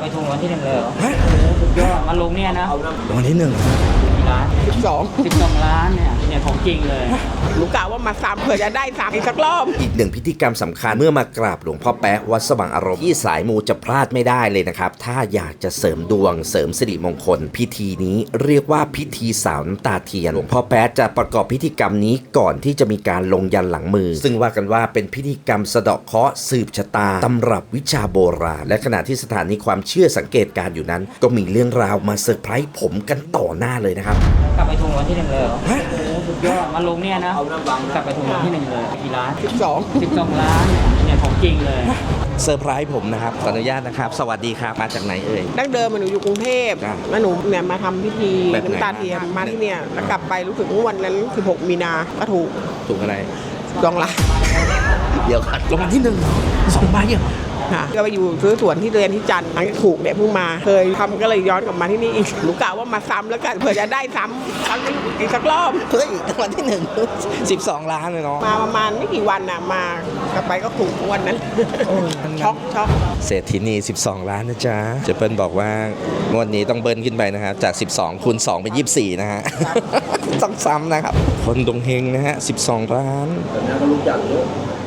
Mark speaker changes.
Speaker 1: ไปถูกวันที่1เลยเหรอสุดยอดมาลงเนี่ยนะ
Speaker 2: วันที่1
Speaker 1: กี่ล้าน12 ล้านเนี่ยของจริงเลย
Speaker 3: หนูกะว่ามาซ้ำเผื่อจะได้ซ้ำอีกสักรอบ
Speaker 2: อีกหนึ่งพิธีกรรมสำคัญเมื่อมากราบหลวงพ่อแป๊ะวัดสว่างอารมณ์ที่สายมูจะพลาดไม่ได้เลยนะครับถ้าอยากจะเสริมดวงเสริมสิริมงคลพิธีนี้เรียกว่าพิธีสาวน้ำตาเทียนหลวงพ่อแป๊ะจะประกอบพิธีกรรมนี้ก่อนที่จะมีการลงยันหลังมือซึ่งว่ากันว่าเป็นพิธีกรรมสะเดาะเคราะห์สืบชะตาตำรับวิชาโบราณและขณะที่สถานีความเชื่อสังเกตการอยู่นั้นก็มีเรื่องราวมาเซอร์ไพรส์ผมกันต่อหน้าเลยนะครับ
Speaker 1: กลับไปถูกวันที่1เลยเหรอสุดยอดมาลงเนี่ยนะกลับไปถูกวันที่1เลยกี่ล้าน12 ล้านเนี่ยของจริงเลย
Speaker 2: เซอร์ไพรส์ผมนะครับขออนุญาตนะครับสวัสดีครับมาจากไหนเอ่ย
Speaker 3: ดั้งเดิมหนูอยู่กรุงเทพแล้วหนูเนี่ยมาทำพิธีน้ำตาเทียมมาที่เนี่ยแล้วกลับไปรู้สึกว่าวันนั้น16 มีนาก็ถูก
Speaker 2: อะไร
Speaker 3: 2 ล้าน
Speaker 2: เดี๋ยวก่อนรางวัลที่1 2 ใบเหรอ
Speaker 3: ค่ะก็ไปอยู่ซื้อสวนที่เรียนที่จันทร์หลังจากถูกเนี่ยเพิ่งมาเคยทำก็เลยย้อนกลับมาที่นี่อีกหนูกะว่ามาซ้ำแล้วกันเผื่อจะได้ซ้ำอีกสักรอบ
Speaker 2: เฮ้ยรางวัลที่1 12 ล้านเลยเนาะ
Speaker 3: มาประมาณไม่กี่วันน่ะมากลับไปก็ถูกวันนั้นช็อก
Speaker 2: เศรษฐีนี12 ล้านนะจ๊ะเจเปิ้ลบอกว่างวดนี้ต้องเบิ้ลขึ้นไปนะครับจาก12คูณ2เป็น24นะฮะต้องซ้ำนะครับคนดวงเฮงนะฮะ12 ล้านแต่นี้ก็รู้จักเยอะ